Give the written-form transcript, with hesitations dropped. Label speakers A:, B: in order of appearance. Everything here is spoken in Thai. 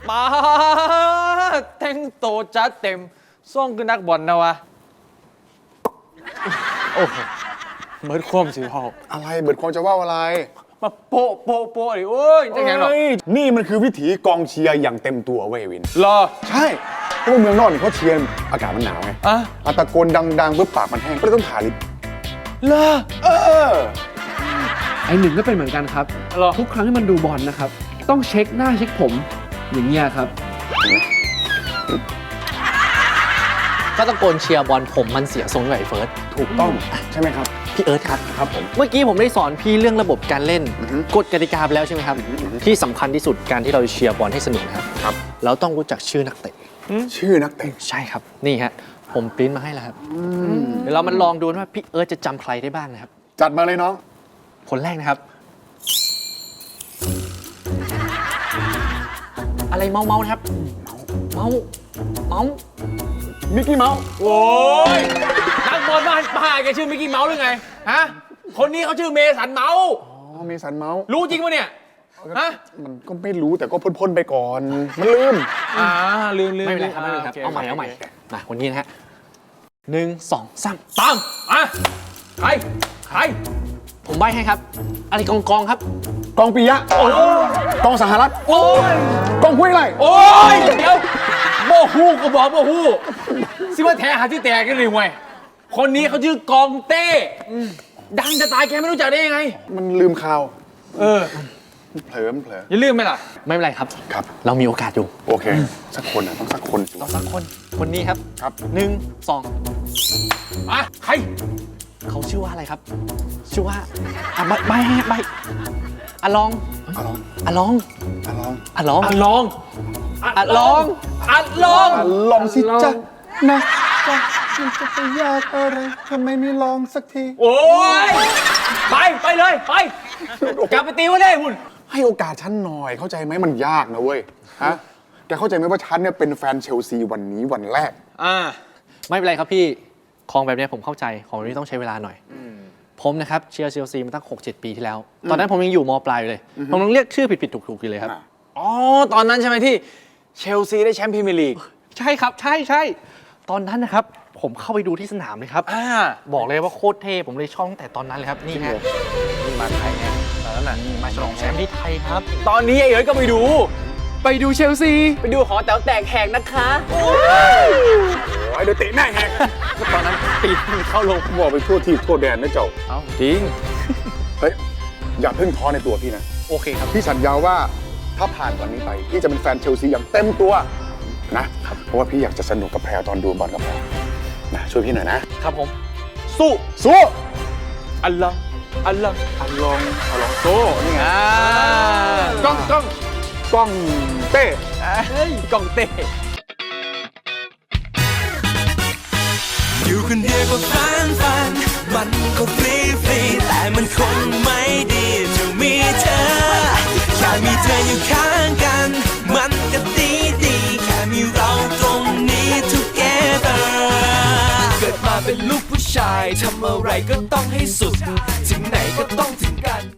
A: มาแต่งโตจัดเต็มส่งคือนักบอลนะวะโอ้โหเบิร์ดควมสิพ่อ
B: อะไรเบิร์ดความจะว่าอะไร
A: มาโปะโปะโปะดิโอ้ยจะไงหรอ
B: นี่มันคือวิถีกองเชียร์อย่างเต็มตัวเว้ยวิน
A: รอ
B: ใช่เพราะว่าเมืองนอกนี่เขาเชียร์อากาศมันหนาวไงตะโกนดังๆเพื่อปากมันแห้งก็เลยต้องทาลิป
A: รอ
C: ไอหนึ่งก็เป็นเหมือนกันครับทุกครั้งที่มันดูบอลนะครับต้องเช็คหน้าเช็คผมอย่างเงี้ยครับ
D: ก็ตะโกนเชียร์บอลผมมันเสียทรงด้วยไอ้เฟิร์ส
B: ถูกต้องใช่ไหมครับ
D: พี่เอิร์ธครับ
B: ครับผม
D: เมื่อกี้ผมได้สอนพี่เรื่องระบบการเล่นกฎกติกาไปแล้วใช่ไหมครับที่สำคัญที่สุดการที่เราเชียร์บอลให้สนุกครับเราต้องรู้จักชื่อนักเตะ
B: ชื่อนักเตะ
D: ใช่ครับนี่ฮะผมปริ้นมาให้แล้วครับเดี๋ยวเรามาลองดูว่าพี่เอิร์ธจะจำใครได้บ้างนะครับ
B: จัดมาเลยน้อง
D: คนแรกนะครับอะไรเมานะครับเมา
B: มิกกี้เมาส์
A: โอ้ยนักบอลบ้านป้าแกชื่อมิกกี้เมาส์หรือไงฮะคนนี้เขาชื่อเมสันเมาส์
B: เมสันเมาส์
A: รู้จริงปะเนี่ยฮะ
B: มันก็ไม่รู้แต่ก็พ่นไปก่อนมันลืม
A: ลืม
D: ไม่เป็นไรครับไม่เป็นไรครับเอาใหม่มาคนนี้นะฮะ1 2 3
A: ตามใคร
D: ผมใบ้ให้ครับอะไรกองครับ
B: กองปิยะกองสหรัฐ
A: โอ้ย
B: กองห้วยไร่
A: โอ้ยเดี๋ยวโมฮูก็บอกโมฮูซิว่าแท้หาที่แตกกันเลยเว้ยคนนี้เขาชื่อกองเต้ดังจะตายแกไม่รู้จักได้ยังไง
B: มันลืมข่าวเผลอ
A: อย่าลืมไหมล่ะ
D: ไม่เป็นไรครับเรามีโอกาสอยู่
B: โอเคสักคนต้องสักคน
D: คนนี้ครับ1 2
A: ใคร
D: เขาชื่อว่าอะไรครับชื่อว่าใบอะลอง
B: สิจ๊ะนะจะไปยากอะไรทำไมไม่ลองสักที
A: โอ้ยไปเลยไปกลับไปตีไว้เลยคุณ
B: ให้โอกาสฉันหน่อยเข้าใจไหมมันยากนะเว้ยฮะแกเข้าใจไหมว่าฉันเนี่ยเป็นแฟนเชลซีวันนี้วันแรก
D: ไม่เป็นไรครับพี่ของแบบนี้ผมเข้าใจของแบบนี้ต้องใช้เวลาหน่อยผมนะครับเชียร์เชลซีมาตั้ง 6-7 ปีที่แล้วตอนนั้นผมยังอยู่ม.ปลายอยู่เลยผมต้องเรียกชื่อผิดถูกอยู่เลยครับ
A: ตอนนั้นใช่ไหมที่เชลซีได้แชมป์พรีเมียร์ลีก
D: ใช่ครับใช่ตอนนั้นนะครับผมเข้าไปดูที่สนามเลยครับบอกเลยว่าโคตรเท่ผมเลยชอบตั้งแต่ตอนนั้นเลยครับนี่ฮะ
A: นี่มาไทยไงตอนนั้นน่ะ
D: มาฉลองแชมป์ที่ไทยครับ
A: ตอนนี้ไอ้เอ๋ยก็ไปดู
D: เชลซี
A: ไปดูหอแต๋วแตกแหกนะคะโอ้
B: ยเดี๋ยวเตะแม่แหก
A: ตอนนั้นตีเข้าลง
B: บอกไปทั่วที่ทั่วแดนนะเจ้า
A: จริง
B: เฮ้ยอย่าเพิ่งท้อในตัวพี่นะ
D: โอเคครับ
B: พี่สัญญาว่าถ้าผ่านวันนี้ไปพี่จะเป็นแฟนเชลซีอย่างเต็มตัวนะเพราะว่าพี่อยากจะสนุกกับแพรตอนดูบอลกับแพรนะช่วยพี่หน่อยนะครับ
D: ผมสู้
A: อัลลองโซ่นี่ไงกล้องเต้
D: กล้องเต้
E: อยู่คนเดียวก็ฟันมันก็ฟรีแต่มันคงไม่ดีจะมีเธอแค่มีเธออยู่ข้างกันมันก็ดีแค่มีเราตรงนี้ together เกิดมาเป็นลูกผู้ชายทำอะไรก็ต้องให้สุดถึงไหนก็ต้องถึงกัน